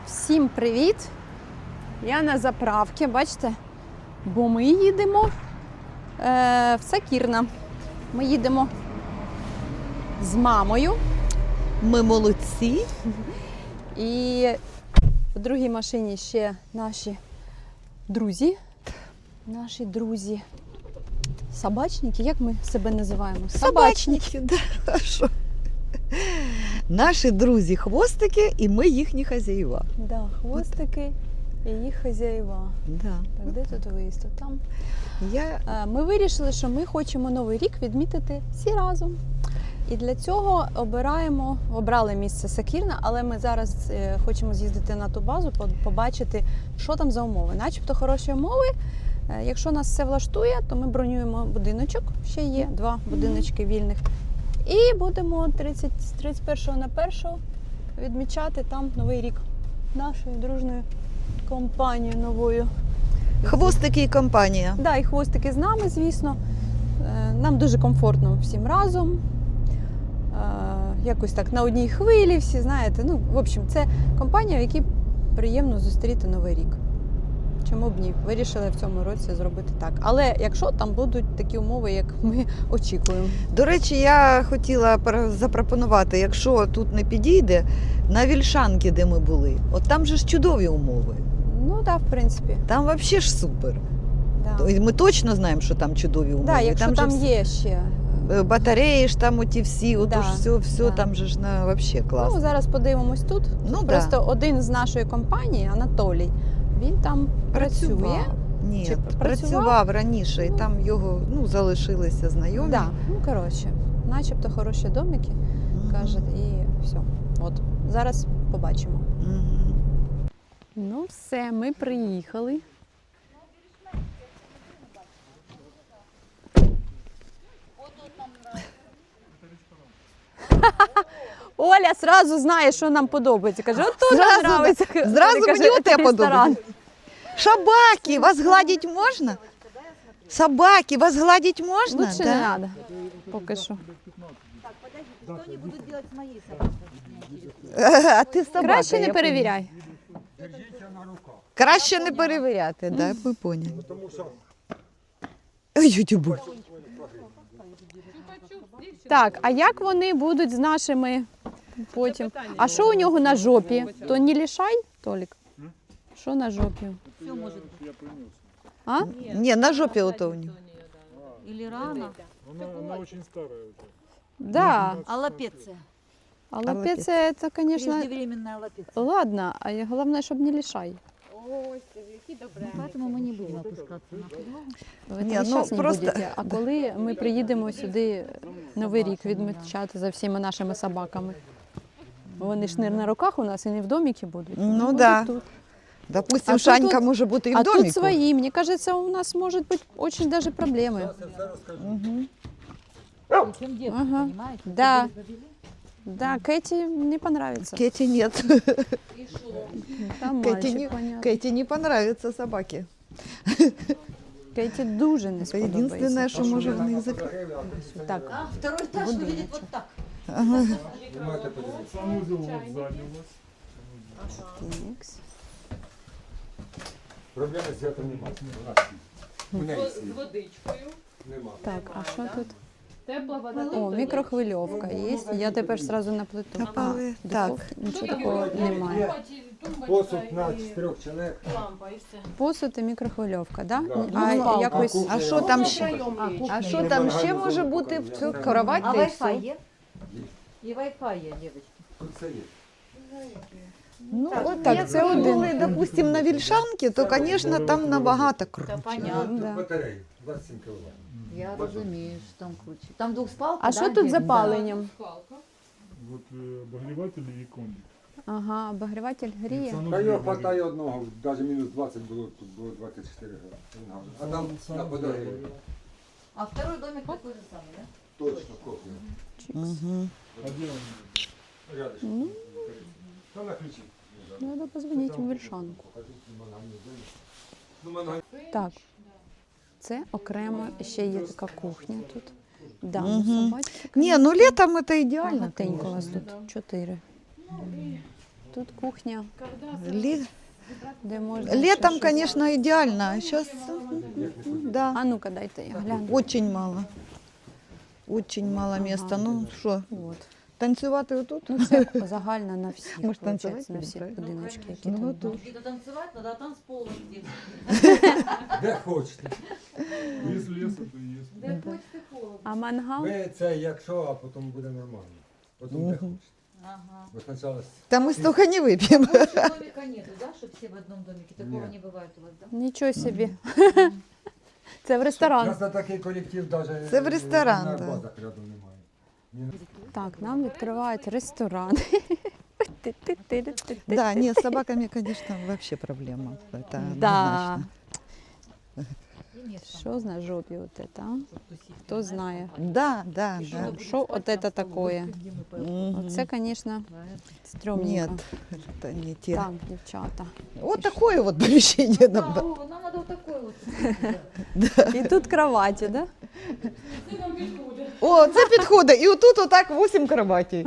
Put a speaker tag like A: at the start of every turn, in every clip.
A: Всім привіт! Я на заправці, бачите? Бо ми їдемо в Сакірна. Ми їдемо з мамою.
B: Ми молодці.
A: І в другій машині ще наші друзі. Наші друзі. Собачники, як ми себе називаємо?
B: Собачники, да, хорошо. Наші друзі-хвостики, і ми їхні хазяїва.
A: Да, хвостики і їх хазяїва.
B: Да.
A: Так, де тут виїзд? Там.
B: Я...
A: Ми вирішили, що ми хочемо Новий рік відмітити всі разом. І для цього обрали місце Сакірна, але ми зараз хочемо з'їздити на ту базу, побачити, що там за умови. Начебто хороші умови. Якщо нас все влаштує, то ми бронюємо будиночок. Ще є 2 будиночки вільних. І будемо 31 на 1 відмічати там Новий рік нашою дружною компанією новою.
B: Хвостики і компанія.
A: Да, і хвостики з нами, звісно. Нам дуже комфортно всім разом. Якось так на одній хвилі всі, знаєте. Ну, в общем, це компанія, в якій приємно зустріти Новий рік. Чому б ні? Вирішили в цьому році зробити так. Але якщо там будуть такі умови, як ми очікуємо.
B: До речі, я хотіла запропонувати, якщо тут не підійде, на Вільшанки, де ми були. От там же ж чудові умови.
A: Ну так, в принципі.
B: Там взагалі ж супер.
A: Да.
B: Ми точно знаємо, що там чудові умови.
A: Да, якщо там
B: же
A: є ще.
B: Батареї ж там оті всі, отож все,
A: да.
B: Там же ж взагалі класно.
A: Ну, зараз подивимось тут.
B: Ну,
A: просто один з нашої компанії, Анатолій, він там працює.
B: Ні,
A: Чи
B: працював раніше, і там його залишилися знайомі.
A: Да. Ну, коротше, начебто хороші домики, каже, і все. От, зараз побачимо. Ну все, ми приїхали. Оля сразу знає, що нам подобається. Каже, от тут нам подобається.
B: Зразу мені оте подобається. Собаки, вас гладить можна? Собаки, вас гладить можна?
A: Лучше не треба, поки що.
C: Так, подождите, что они будут делать с моей собакой?
B: А ти собака.
A: Краще не перевіряй.
B: Краще не перевіряти, так, ми поняли. Ой, тюбу.
A: Так, а як вони будуть з нашими потім? А що у нього на жопі? То не лишай, Толік? Що на жопі?
C: Все может быть.
A: А?
B: Ні, на жопі ото у нього.
C: Или рано.
D: Она очень старая уже.
A: Да.
C: Аллопеция.
A: Аллопеция, це, звісно,
C: Преждевременная аллопеция.
A: ладно, а головне, щоб не лишай.
C: Поэтому мы не будем опускаться на подлогу.
A: Ви
B: Ні,
A: весь
B: ну,
A: час не
B: просто-
A: будете. А коли ми приїдемо сюди Новий рік відмічати за всіма нашими собаками? Вони ж не на руках у нас і не в доміки будуть. Вони
B: Ну,
A: будуть
B: да.
A: тут.
B: Допустим,
A: А
B: Шанька
A: тут-
B: може бути і в
A: А
B: доміку.
A: тут свої. Мені кажется, у нас можуть бути дуже даже проблеми.
C: Причем детки,
A: Ага.
C: понимаете?
A: Да.
C: Вы завели?
A: Да, Кэти не понравится.
B: Кеті нет.
A: Там
B: Кэти
A: мальчик,
B: не,
A: понятно.
B: Кеті не понравятся собаки.
A: Кэти дуже не
B: Це єдине,
A: сподобається.
B: що може в них закрити.
A: Так,
C: А, второй этаж выглядит вот так.
D: Санузел вот сзади у вас.
A: тікс.
E: Проблеми з святом немає. У неї світ. Нема.
A: Так, а що тут?
F: Тепла вода.
A: О, мікрохвильовка є. Я тепер сразу на плиту.
B: Напали.
A: А,
B: Так.
A: духовки, нічого такого немає.
E: Посуд на 4 чоловік.
F: Лампа і все.
A: Посуд і мікрохвильовка, да?
E: Да.
A: А
C: Ну,
A: якось
B: А що там ще?
C: А,
B: А що там ще може бути в цю кровать?
C: А
B: та й все?
C: Wi-Fi есть? И Wi-Fi есть, девочки.
E: Тут все є.
B: Ну,
C: Так,
B: от так,
C: якби
B: це
C: ми
B: один.
C: були,
B: Допустим, на Вільшанки, то, звісно, там набагато круче.
C: Понятно.
A: Да.
E: Батареї 27 кВт.
C: Я розумію, що там круче. Там двухспалка,
A: А
C: да,
A: що тут з
C: где?
A: запаленням?
D: Вот обогреватели и кондик.
A: Ага, обогріватель гріє.
E: Та його хватає одного, навіть мінус 20 було, тут було 24 градуси. А там на подорожі.
C: А второй домик такой же самый, да?
E: Точно, копія.
B: Угу.
D: А где он?
E: Рядышком. Та на ключі.
A: Треба позвонити в Вільшанку.
E: Ну, мене
A: Так, це окремо ще є така кухня тут. Да,
B: Мгм.
A: собачки.
B: Ні, ну літом це ідеально.
A: Багатенько у вас тут 4. тут кухня,
B: Лі...
A: де можна.
B: Летом,
A: ще щось-
B: конечно, идеально, а сейчас, да,
A: А ну-ка, дайте я гляну.
B: очень мало. Очень мало места. Ну що,
A: От.
B: танцювати отут?
A: Ну, це загальна на всіх,
B: Ми ж
A: виходить,
B: танцювати
A: на всіх
B: будемо,
A: будиночки, які
B: Ну,
A: там.
B: отут.
C: Где-то танцевать надо, а танцпол где.
E: Де хочете.
D: Без леса, то есть.
C: Да хочется холодно.
A: А мангал?
E: Ви це якщо, а потім буде нормально. Потім де хочете.
C: Ага.
E: Бо спочатку
B: Та ми столько не вип'ємо.
C: Больше домика нету, да, чтобы все в одном домике? Такого
E: Нет.
C: не бывает у вас, да?
A: Нічого собі. Це в ресторан.
E: нас на такий колектив навіть
B: Це в ресторан,
E: на
B: да.
E: базах рядом немає.
A: Так, нам відкривають ресторан.
B: Да, ні, з собаками, конечно, вообще проблема. Это
A: Да.
B: однозначно.
C: И нет там,
A: Що на жопі от це, а?
C: чтоб тусить.
A: Хто знає?
B: Да, да, да.
A: Що от це такое?
B: Мгм.
A: Оце, звісно,
B: Нет,
A: стрьомненько.
B: это не те.
A: Так, дівчата.
B: Вот такое вот помещение нам.
C: Да, Вова, нам надо вот такой вот.
A: І тут кроваті, да?
B: О, це підходить. І отут отак 8 кроватей.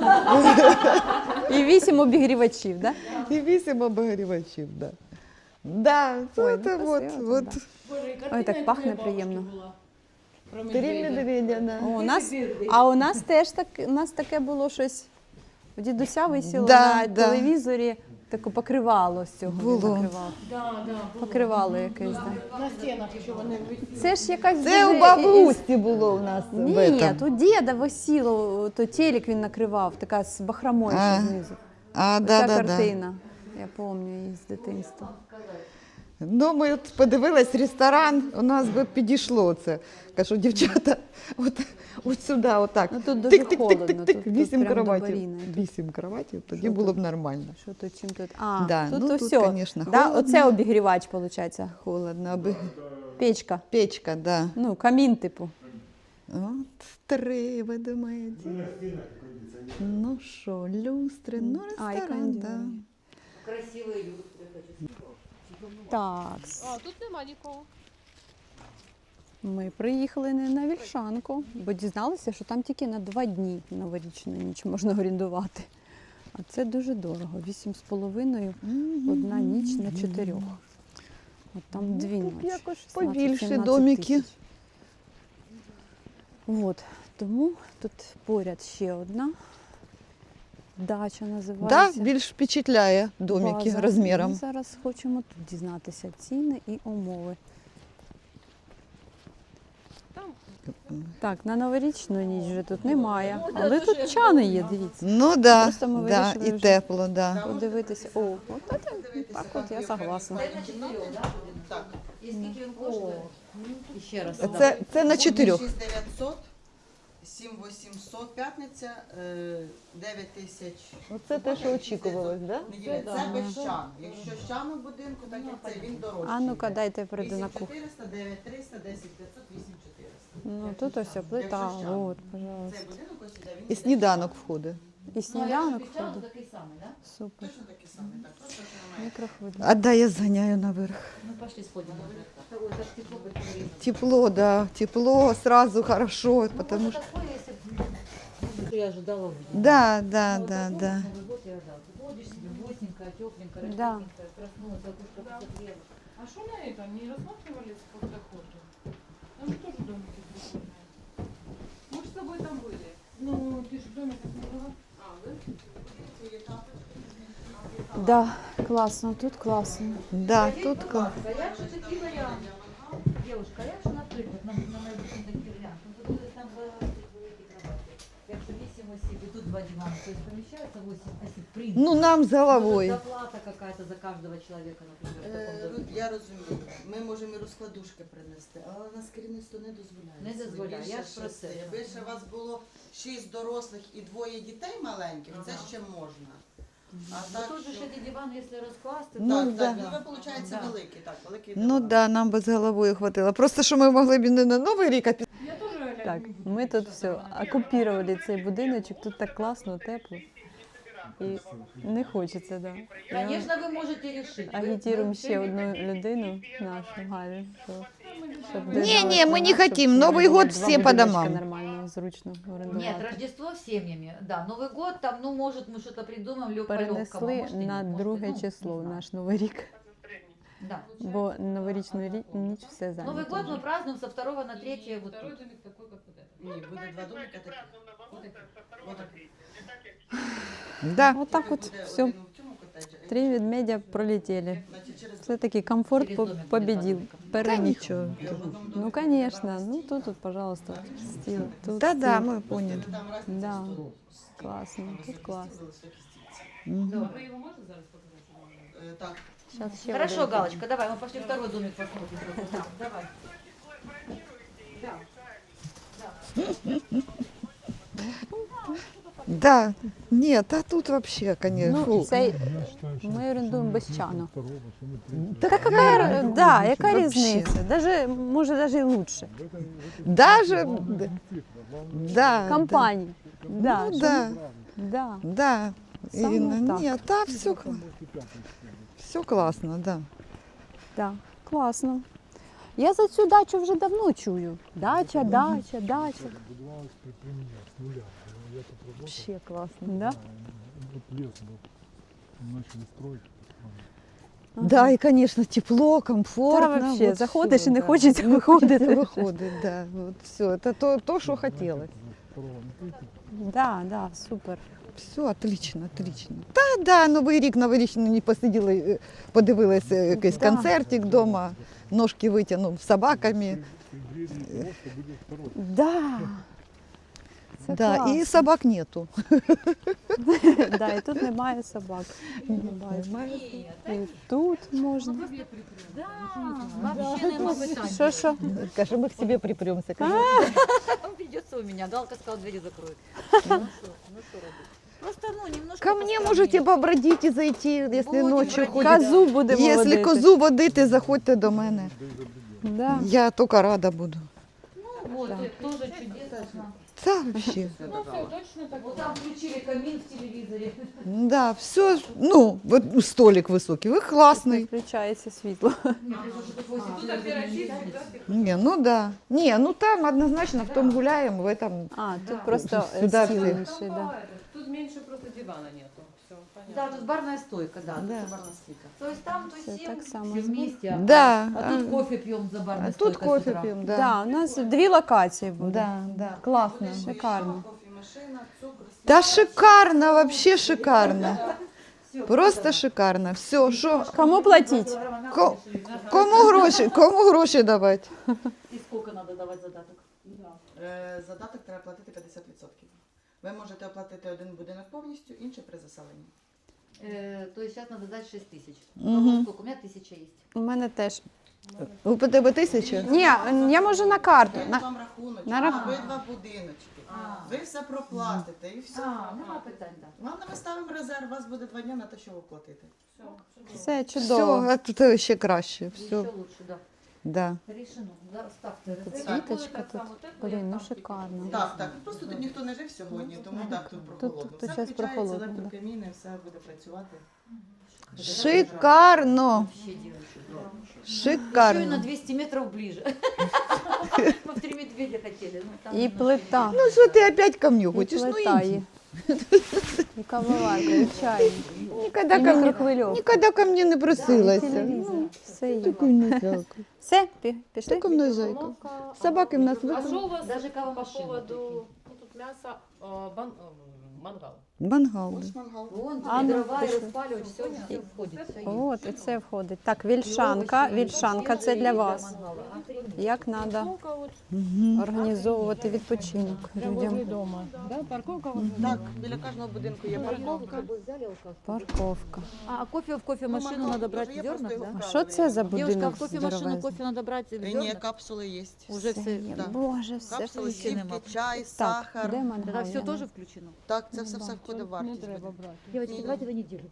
A: І 8 обігрівачів, да?
B: І 8 обогрівачів, да. Да,
A: Ой,
B: це
A: ну,
B: вот,
A: красиво
B: вот.
A: тут, Ой, так пахне приємно.
B: Три медведя, да.
A: О, у нас теж у нас таке було щось. У дідуся висіло
B: Да,
A: на
B: да.
A: телевізорі таке покривало з цього. він
B: Було.
A: накривав. Покривало якесь, да.
F: На стінах, що вони
A: Це ж якась
B: Це
A: дуже
B: у баби
A: із-
B: Усті було у нас. в
A: Ні,
B: этом.
A: тут діда висіло, то телек він накривав, така з бахромою
B: А,
A: ще знизу.
B: А,
A: Ця
B: да, да, да.
A: картина. Я пам'ятаю її з дитинства.
B: Ну, ми от подивились ресторан, у нас би підійшло це. Кажу, дівчата, от сюди, отак.
A: Ну, тут дуже холодно,
B: Тик-тик-тик-тик,
A: тут
B: 8
A: прям до
B: кроватів.
A: Баріни.
B: 8 кроватів, тоді
A: Що
B: було
A: тут?
B: б нормально.
A: Що тут, чим тут? А,
B: Да,
A: тут
B: ну,
A: то
B: тут,
A: все.
B: конечно,
A: Да,
B: холодно.
A: оце обігрівач, виходить.
B: Холодно, аби
A: Печка.
B: печка, да.
A: Ну, камін, типу.
B: От 3, ви думаєте. Ну що, люстри, ну
A: А, і
B: ресторан, да.
A: кондиціонер.
C: Красивые люстры хочу.
A: Так,
F: А, тут нема нікого.
A: ми приїхали не на Вільшанку, бо дізналися, що там тільки на 2 дні новорічну ніч можна орендувати. А це дуже дорого. 8,5 одна ніч на 4. От там 2
B: Ну, тут
A: ночі.
B: якось
A: 16-17
B: побільше домики.
A: тисяч. От, тому тут поряд ще одна дача
B: Да,
A: називається.
B: більш впечатляє домики
A: База.
B: розміром.
A: Ми зараз хочемо тут дізнатися ціни і умови. Так, на новорічну ніч вже тут немає, але тут чани є, дивіться.
B: Ну да,
A: Просто ми
B: да,
A: вирішили
B: і
A: вже
B: тепло, да.
A: Подивитися. О, от це, так от я согласна.
C: Це на 4, да? Так. І скільки він коштує? І ще раз.
B: Це на 4.
G: 6900, 7800 п'ятниця, 9000
B: Оце те, що очікувалось, да?
G: неділя. Це без чану. Якщо з чану в будинку, так як це він дорожчий.
A: А ну-ка, дайте я прийду на кухню.
G: 8400, 9300, 10500, 8400.
A: Ну, тут ось плита, от, пожалуйста.
G: Цей будинок ось іде, він
B: І
G: іде
B: сніданок входить.
A: І сніданок
C: Печально
A: входить.
C: такий самий, да?
A: Супер.
G: точно такий самий, так, просто що немає.
A: Мікрохвильовка.
B: А да, я зганяю наверх.
C: Ну, пошли сходим наверх. Ой, это ж тепло будет время.
B: Тепло, да, тепло, сразу хорошо, потому что...
C: Такое, если б я ожидала увидеть.
B: Да, да,
C: Вот
B: да,
C: такое
B: да.
C: Новый год я ожидала. Ты ходишь себе гостенькая, тепленькая,
A: Да.
C: растепленькая, проснулась, окошко посмотрела.
F: А що на это? Не рассматривали как охоту? Там же тоже домики прикольные. Мы же с тобой там были. Ну, ты же в домиках не была? А, да?
A: Да, класно, тут класно.
B: Да, тут...
C: А як же такі варіанти? Девушка, а як же, наприклад, на майбутній такий варіант? Ну, тут там великі кровати. Якщо 8 осіб і тут 2 дивани, то есть поміщається 8 осіб, в принципі.
B: Ну, нам з
C: Может,
B: головою.
C: зарплата какая-то за каждого человека, например, в таком доме.
G: Я розумію. Ми можемо і розкладушки принести, але у нас керівництво не дозволяє.
C: Не дозволяє,
G: Більше
C: я ж про це.
G: 6. Якби ще у вас було 6 дорослих і 2 дітей маленьких, це ще можна. А
C: Ну,
G: так,
C: тут же ж
G: що-
C: эти дивани, якщо розкласти,
B: Ну,
G: так,
B: да.
G: так, ну ви, виходить,
C: Да.
G: великий, так, великий
B: Ну
G: диван.
B: да, нам би з головою хватило. Просто, що ми могли б і не на Новий рік, а під...
F: Я тоже
A: Так, ми тут все окупували цей будиночок, тут так класно, тепло. І не хочеться, да.
C: Конечно, ви можете рішити.
A: Агітуємо ще одну людину, нашу Галю, щоб
B: Не-не, мы не хотим. Новый год все по домам.
A: Нормально зручно
C: Нет,
A: орендувати.
C: Рождество с семьями, да. Новый год там, ну, может, мы что-то придумаем, лёг по лёгкому,
A: Перенесли
C: может, и нет,
A: на
C: может, и,
A: друге
C: ну, не
A: число
C: знаю.
A: наш Новий рік,
C: Да.
A: бо новорічну ніч все
C: Новый
A: зайнято.
C: год мы празднуем со 2 на 3 вот
F: Второй
C: тут.
F: домик такой, как вот это.
G: Ні, буде два домика такі.
B: Да.
A: Отак от все.
G: Один в цьому котеджі, а
A: 3 ведмедя пролетіли.
G: значить, через
A: Все-таки комфорт
C: Через домик будет
A: победил,
C: два домика.
A: переміг.
B: нічого.
G: в одному домику
A: Ну, конечно. Ну, тут, пожалуйста, стіл. Тут
B: Да-да,
A: стіл.
B: ми поняли.
G: там разниця
A: Да.
G: 100.
A: Класно,
G: Там
A: тут
G: високі
A: класно.
G: стіли, високі стільці.
B: Мгм.
F: А вы его можете зараз показать?
G: Так,
A: Щас ще
C: Хорошо,
A: один.
C: Галочка, давай, мы пошли второй домик посмотрим. Да, давай.
B: Да. Нет, а тут вообще, конечно.
A: Ну,
B: фу.
A: цей ми орендуємо без чану.
B: Так
A: Да, яка
B: Вообще.
A: різниця? Даже, може, навіть і лучше.
B: Даже, да.
A: Компанії. Да,
B: Ну,
A: щоб-
B: да,
A: да.
B: да.
A: Саме
B: Ирина,
A: так.
B: нет, да, все классно, да.
A: Да, класно. Я за цю дачу вже давно чую. Дача, дача, дача.
D: Будувалось при мені з нуля. Я тут работал.
A: Вообще класно, да?
D: Вот лес был. Начали строить.
B: Да, и, конечно, тепло,
A: Да,
B: комфортно.
A: вообще,
B: вот
A: заходиш
B: всё,
A: і не
B: да.
A: хочеться
B: Не
A: виходити.
B: хочеться виходити, да. Вот все, это то, что хотелось.
A: Да, да, супер.
B: Все, отлично, отлично. Та, да, Новий рік, новорічний не посиділи, подивилися якийсь
A: Да.
B: концертик вдома, ножки витягнув з собаками.
A: Да. Це
B: Да,
A: класно.
B: і собак нету.
A: Да, і тут немає собак.
B: Немає.
A: І тут можна.
C: Да, вообще нема питань.
A: Що?
B: Каже, ми к себе припремся.
C: Он придется у меня. Галка сказала, двери закроет. Ну что робить? Просто, ну, немножко
B: Ко мне
C: постраннее.
B: можете побродить і зайти, якщо
C: Будем
B: ночі
C: бродить.
B: ходите.
A: Козу будемо
B: Якщо
A: водити.
B: козу водити, заходьте до мене.
A: Да.
B: Я тільки рада буду.
C: Ну, вот, это тоже чудесно.
B: Та вообще.
F: Ну, все, точно так.
C: Вот там включили камин в телевизоре.
B: Да, все, ну, вот столик високий, ви класний.
A: Включається світло.
F: Тут опять чистить, да?
B: Не, ну да. Не, ну там однозначно, в том гуляем, в этом.
A: А, тут просто
B: Сюди
A: стіл
B: всі.
A: інший, да.
F: Тут меньше просто дивана нету. Все, понятно.
C: Да, тут барная стойка, да.
B: Да.
C: тут барная стойка. То есть там
A: Всё
C: тусим,
A: так само.
C: все вместе.
B: Да,
C: А тут кофе пьем за барной
B: А тут
C: стойкой с
B: кофе
C: утра.
B: пьем,
A: Да.
B: да.
A: У нас 2 локації буде.
B: Да, да, классно.
A: Шикарно.
G: кофемашина, цукор,
B: Да шикарно, вообще шикарно. Просто шикарно. Все, що,
A: Кому платить?
B: Ко- кому гроші давати?
C: И сколько надо давать задаток?
G: Задаток треба платити 50%. Ви можете оплатити один будинок повністю, інший при заселенні.
C: То есть сейчас надо дать 6 тысяч.
B: Мгм.
C: Сколько? У меня 1000 есть.
A: У мене теж.
B: У тебе 1000?
A: Ні, я можу на карту.
G: Дають
A: На...
G: вам рахунок,
A: на рах-
G: обидва будиночки.
C: А.
G: Ви все проплатите і все.
C: Нема питань, да.
G: Ладно, ми ставимо резерв, у вас буде 2 дні на те, що ви платите.
A: Все
B: Все,
A: чудово.
B: а тут ще краще.
C: Еще
B: Все,
C: лучше, да.
B: да.
C: Решено. Да, ставьте
A: Тут
C: резерв.
A: світочка тут. Блін, ну шикарно.
G: Так, так. Просто тут ніхто не жив сьогодні, тому так, тут прохолодно.
A: тут
G: Все
A: щас
G: включається,
A: прохолодно, да.
G: електрокаміни, все буде працювати.
B: Шикарно.
C: Вообще девочки, да. Еще и на
B: Шикарно.
C: 200 метров ближе. Мы в 3 медведя хотели. Ну, там
A: І
C: немножко
A: плита.
B: Ну що ти опять ко мне
A: І
B: хочеш? Ну
A: плита
B: иди.
A: є. І кавоварка, і чай.
B: Ніколи
A: І
B: ко мне,
A: мікрохвильовка.
B: ніколи ко мне не
A: І
B: просилася.
A: телевізор. Все є.
B: Такой нажалка.
A: Все, пішли?
B: Такой нажалка. Собаки в нас
F: А
B: виход.
F: что у вас
C: Даже
F: по
C: кавомашина
F: поводу... Ну, тут мясо, мангал.
B: Мангал.
G: Ось мангал.
C: Вон,
A: А, ну,
C: дрова и
A: пошли.
C: распаливать, все входит. Все есть.
A: От, і це входить. Так, вільшанка. Вільшанка це для вас. Як треба
F: Парковка вот
A: організовувати відпочинок людям.
F: дома. Да, парковка вот.
G: Так, біля кожного будинку є парковка.
A: Парковка.
C: А кофе в кофемашину надо брать в зернах, да?
A: А що це за
C: Девушка, а
A: будинок
C: в кофемашину
A: здоровезний?
C: кофе надо брать в
G: Ні,
C: зернах?
G: капсули є.
C: Уже все.
A: Є.
G: да.
A: Боже, все
G: Капсули,
A: включено.
G: сівки, чай,
A: Так,
G: сахар.
A: де
C: Тогда
A: мангал?
C: все тоже включено?
G: Так, це все входить в вартість. буде.
C: Девочки, давайте в неделю.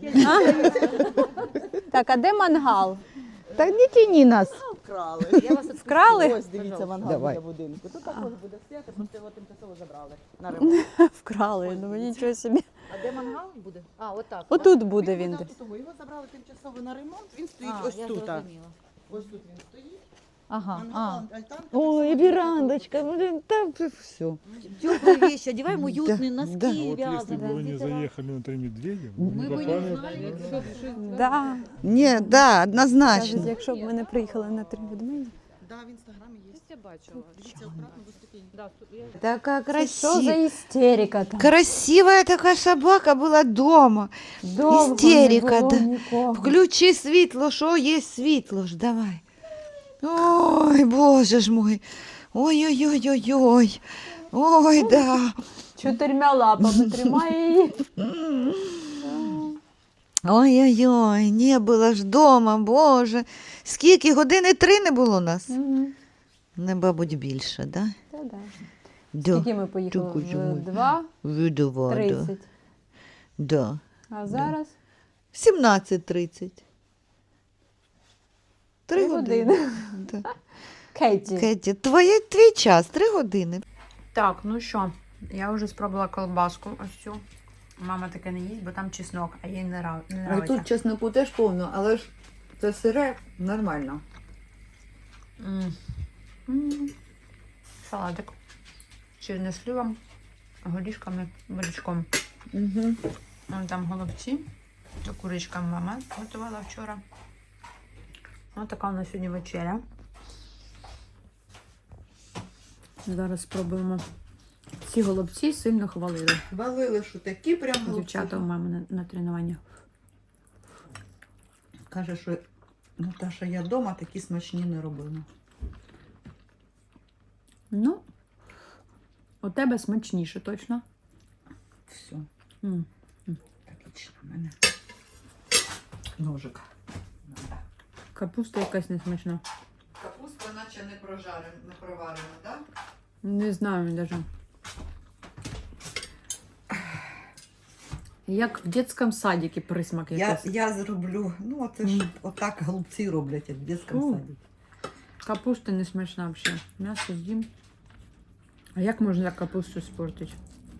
A: Так, а де мангал?
B: Так не тяни нас.
G: Вкрали.
C: Я вас
A: Вкрали?
G: Ось дивіться мангал
B: Давай.
G: біля будинку. Тут також буде стояти, щоб його тимчасово забрали на ремонт.
A: Вкрали, ну нічого собі.
C: А де мангал буде? А, от так.
A: Отут буде він.
G: Його забрали тимчасово на ремонт, він стоїть
C: А,
G: ось
C: я
G: тут.
C: зрозуміла.
G: Ось тут він стоїть.
A: Ага.
G: Мангал, альтанка.
B: Ой, верандочка, та все.
C: Теплые вещи, одеваем уютные
B: Да,
C: носки
B: да.
D: А вот если
C: вязаные.
D: бы вы не заехали на 3 медведя, вы
C: Мы
D: бы
C: бы не
D: попали.
C: знали,
D: да?
C: что что-
A: Да.
B: Ні, да,
A: Кажуть,
B: однозначно.
A: якщо б ми не приїхали на 3 ведмеді.
G: Да, в інстаграмі є.
F: Я бачила.
G: Дивіться, акуратно до ступені.
F: Да, я...
B: Така
A: Що за
B: красива.
A: істерика там?
B: Красивая така собака була дома.
A: Довго
B: істерика,
A: не було
B: да.
A: нікого.
B: Включи світло, що є світло ж, давай. Ой, боже ж мой. Ой-ой-ой-ой-ой. Ой, да.
A: 4 лапами тримає її.
B: Ой-ой-ой, не було ж дома, боже. Скільки? Години 3 не було нас?
A: Мгм.
B: Не, мабуть, більше, да?
A: Та-да.
B: Да.
A: Скільки ми поїхали?
B: Тільки ж ми.
A: В 2:30.
B: Видова, да. Да.
A: А зараз
B: 17:30. 3
A: 3
B: години.
A: години.
B: Да.
A: Кеті.
B: Кеті, твій час 3 години.
A: Так, ну що, я вже спробувала колбаску ось цю. Мама таке не їсть, бо там чеснок, а їй не нравиться.
B: чесноку теж повно, але ж це сире нормально.
A: Салатик. З чорносливом, горішками, бурячком.
B: Угу.
A: Вон там голубці. Та курочка мама готувала вчора. Ось така у нас сьогодні вечеря. Зараз спробуємо. Ці голубці сильно хвалили.
B: Хвалили, що такі прям
A: Дівчата у мами на тренуваннях.
B: Каже, що Наташа, я вдома такі смачні не робила.
A: Ну, у тебе смачніше, точно.
B: Все,
A: М.
B: отлично в мене. Ножик. Надо.
A: Капуста якась несмачна.
B: Капуста наче не прожарена, не проварена, так?
A: Не знаю навіть. Як в дитячому садіку присмак якийсь.
B: Я зроблю, ну це ж отак голубці роблять, як в дитячому саді.
A: Капуста не смачна взагалі. М'ясо з'їм. А як можна капусту спортити?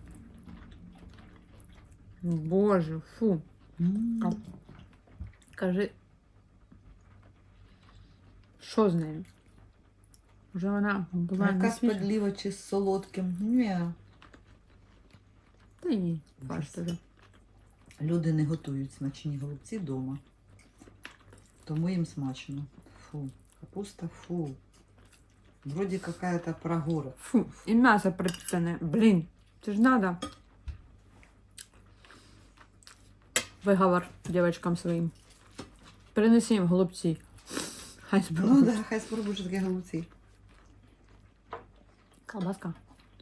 A: Боже, фу. Кажи, що з нею? Вже вона була не
B: Якась
A: свіжа.
B: подліва чи з солодким. Ні.
A: Та ні, фарш туди.
B: Люди не готують смачні голубці вдома. Тому їм смачно. Фу, капуста, фу. Вроді какая-то прогора.
A: Фу, і м'ясо пропитане. Блін, це ж надо. Виговор дівчаткам своїм. Принеси їм голубці. Хай
B: Ну
A: спробують.
B: да, хай спробуєш такі голубці.
A: Колбаска.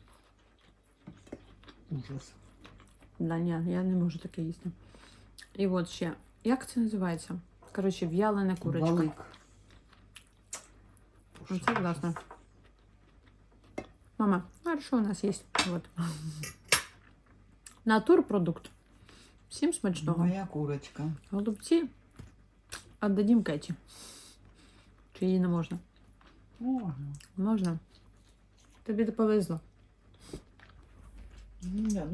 B: Ужас.
A: Да, ні, я не можу таке їсти. І от ще. Як це називається? Коротше, в'ялена курочка.
B: Балик.
A: Оце класно. Мама, а що у нас є? Вот. Натурпродукт. Всім смачного.
B: Моя курочка.
A: Голубці віддадим Кеті. Чи їй не можна?
B: Можна.
A: Можна. Тобі повезло.
B: Ну, да.